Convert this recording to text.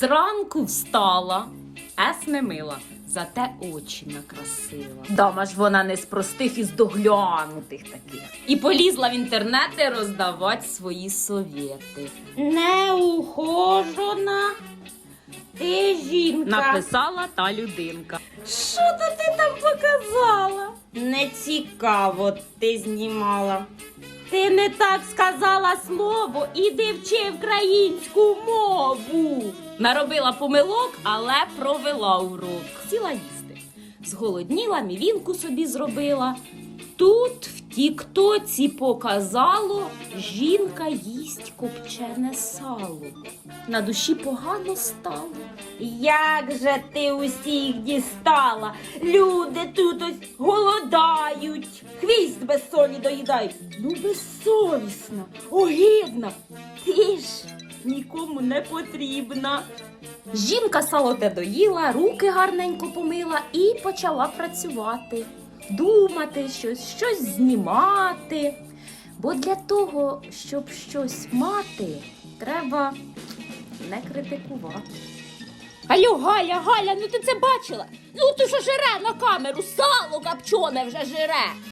Зранку встала, не мила, зате очі накрасила. Дама ж вона не з простих, із доглянутих таких. І полізла в інтернети роздавати свої совєти. Неухожена ти жінка. Написала та людинка. Що то ти там показала? Не цікаво ти знімала. Ти не так сказала слово, іди вчи українську мову. Наробила помилок, але провела урок. Сіла їсти. Зголодніла, мівінку собі зробила. Тут в тіктоці показало, жінка їсть копчене сало. На душі погано стало. Як же ти усіх дістала? Люди тут ось голодають, хвіст без солі доїдають. Ну, безсовісна, огидна. Ти ж нікому не потрібна. Жінка сало те доїла, руки гарненько помила і почала працювати. Думати щось знімати. Бо для того, щоб щось мати, треба не критикувати. Алло, Галя, ну ти це бачила? Ну ти що жире на камеру, сало копчене вже жире.